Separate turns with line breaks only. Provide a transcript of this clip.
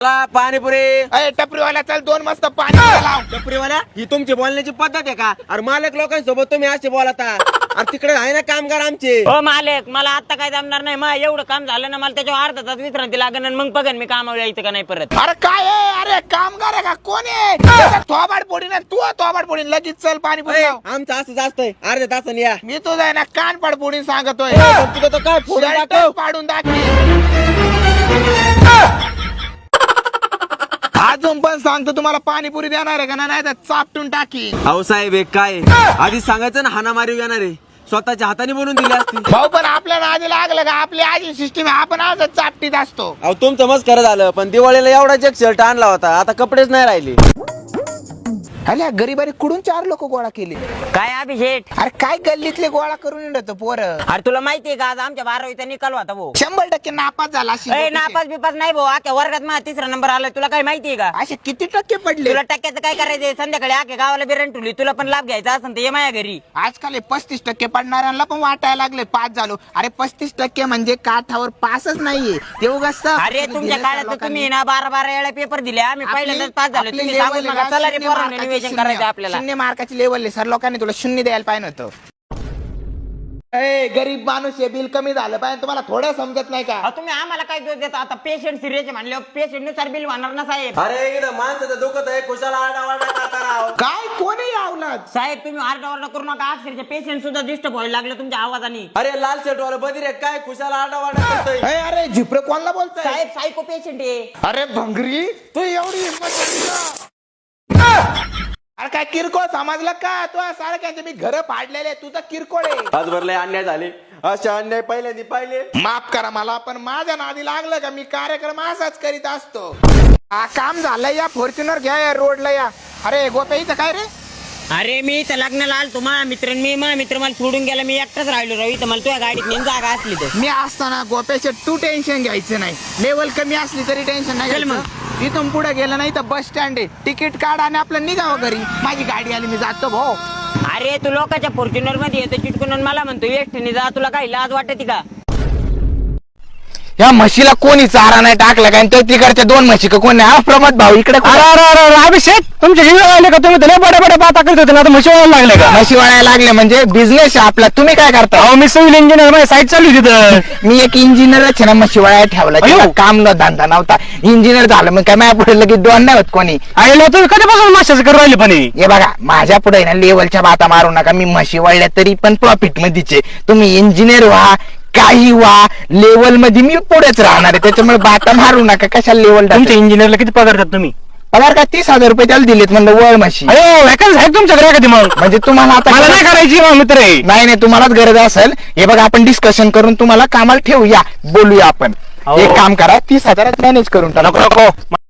पाणीपुरी
टपरीवाला चल 2 मस्त पाणी लाव.
टपरीवाला ही तुमची बोलण्याची पद्धत आहे का? अरे मालक लोकांसोबत तुम्ही असे बोलता. अरे तिकडे आहे ना कामगार आमचे.
हो मालक, मला आता काय जमणार नाही. मग एवढं काम झालं ना, मला त्याच्यावर अर्धा तास विश्रांती लागेल आणि मग बघन मी कामावर यायचं का नाही परत.
अरे काय आहे? अरे कामगार आहे का? कोण आहे? थोबाड पोडी ना तू, थोबाड पोडी लगेच चल पाणीपुरी लाव.
आमचं असं जास्त आहे. अर्ध्या तासाने या.
मी तुझा आहे ना कान पाड पोडी सांगतोय.
तुझं तर काय फोडून
शर्ट
टाकव.
पाडून दाखव. अजून पण सांगतो तुम्हाला पाणीपुरी देणार आहे का नाही तर चापटून टाकी.
अहो साहेब एक काय आधी सांगायचं ना, हाणामारी येणार आहे. स्वतःच्या हाताने बनवून दिली असती.
भाऊ पण आपल्याला आधी लागलं का? आपली आधी सिस्टीम आपण आज चापटीत असतो.
अहो तुमचं मस्त खरं झालं, पण दिवाळीला एवढा एक शर्ट आणला होता, आता कपडेच नाही राहिले.
अरे गरीबारी कुडून 4 लोक गोळा केले.
काय अभिषेक?
अरे काय गल्लीतले गोळा करून येतो पोरं.
अरे तुला माहितीये का आज आमच्या 12वीचा निकाल होता भाऊ.
100% नापास झाला.
नापास बिपास नाही भाऊ, आख्या वर्गात माझा 3रा नंबर आलाय. तुला काय माहितीये का?
असे किती टक्के पडले?
तुला टक्क्याचं काय करायचंय? संध्याकाळी आख्या गावाला बिरण ठेवली. तुला पण लाभ घ्यायचा असेल तर ये माझ्या घरी.
आजकाल 35% पडणाऱ्यांना पण वाटायला लागले पास झालो. अरे 35% म्हणजे काठावर पासच नाहीये ते उगाच.
अरे तुमच्या काळात तुम्ही ना 12 वेळा पेपर दिले. आम्ही पहिल्यांदाच पास झालो. तुम्ही सांगून नका. चला रे पोरांनो, निवेदन करायचं आपल्याला.
0 मार्काची लेवल सर लोकांनी तुला 0 द्यायला पाहिजे होतं. गरीब माणूस आहे, बिल कमी झालं पाहिजे. तुम्हाला थोडं समजत नाही का?
तुम्ही आम्हाला काय दोष देता? आता पेशंट सिरियस म्हणले, पेशंट नुसार बिल होणार ना साहेब.
अरे इथं माणसाचं दुखत आहे, कुशाला आरडाओरडा करता राव.
काय कोणी आवलाद?
साहेब तुम्ही आरडाओरडा करू नका. अक्षरशः पेशंट सुद्धा डिस्टर्ब व्हायला लागले तुमच्या आवाजाने.
अरे लाल शर्ट वाला बधीर आहे काय? कुशाला आरडाओरडा करतोय.
अरे झिप्र कोणाला बोलतोय?
साहेब सायको पेशंट आहे.
अरे भंगरी तू एवढी हिंमत झाली का? अरे काय किरकोळ समजलं का? तू सारख्यांचे मी घर फाडलेले, तू तर किरकोळ आहे.
आज भरले अन्याय झाले, असे अन्याय पहिल्यांदा पाहिले.
माफ करा मला, पण माझ्या नादी लागलं का मी कार्यक्रम असाच करीत असतो. हा काम झालंय, या फॉर्च्युनर घ्या, या रोडला या. अरे गोप्या इथं काय रे?
अरे मी इथं लग्नाला आलतो. माझा मित्र मला सोडून गेला. मी एकटाच राहिलो राव इथं. मला तुझ्या गाडीत नेऊन जागा असली तर.
मी असताना गोप्याचे तू टेन्शन घ्यायचं नाही. लेवल कमी असली तरी टेन्शन नाही
चल मग.
घ्यायचं. इथून पुढे गेलं नाही तर बस स्टँड आहे, तिकीट काढ आणि आपलं निघावं घरी. माझी गाडी आली, मी जातो भाऊ.
अरे तू लोकांच्या फॉर्च्युनर मध्ये येतो चिटकून आणि मला म्हणतो एकटीने जा. तुला काही लाज वाटते का?
या म्हशीला कोणी चारा नाही टाकला काय? तिकडच्या 2 म्हशी का कोणी? हा प्रमोद भाऊ इकडे.
अभिषेक तुमचे हिंग लागले का? तुम्ही त्याला बड्या बड्या बाता करत होते ना, आता म्हशी वळायला लागले का?
म्हशी वळायला लागले म्हणजे बिझनेस आहे आपला. तुम्ही काय करता?
अहो मी सिव्हिल इंजिनियर, माझी साईट चालू होती तिथं.
मी एक इंजिनियरच ना, म्हशी वळायला ठेवला. तेव्हा काम न धंदा नव्हता. इंजिनियर झालं मग काय माझ्या पुढे लगेच 2 नाही होत कोणी.
आईला तुम्ही कधीपासून माशाचं करू राहिले पण?
हे बघा माझ्या पुढे ना लेवलच्या बाता मारू नका. मी म्हशी वळल्या तरी पण प्रॉफिट मध्येच आहे. तुम्ही इंजिनियर व्हा काही व्हा, लेवल मध्ये मी पुढेच राहणार आहे. त्याच्यामुळे बाता मारू नका. कशाला लेवल?
तुमच्या इंजिनियरला किती पगार देतात तुम्ही?
पगार का 30,000 रुपये त्याला दिलेत म्हणलं वळ म्हशी.
अरे वॅकन्स आहे तुमच्याकडे कधी? मग
म्हणजे तुम्हाला आता
मला नाही करायची मित्र आहे.
नाही तुम्हालाच गरज असेल. हे बघा आपण डिस्कशन करून तुम्हाला कामाला ठेवूया, बोलूया आपण. एक काम करा, 30,000 मॅनेज करून टाका.
नको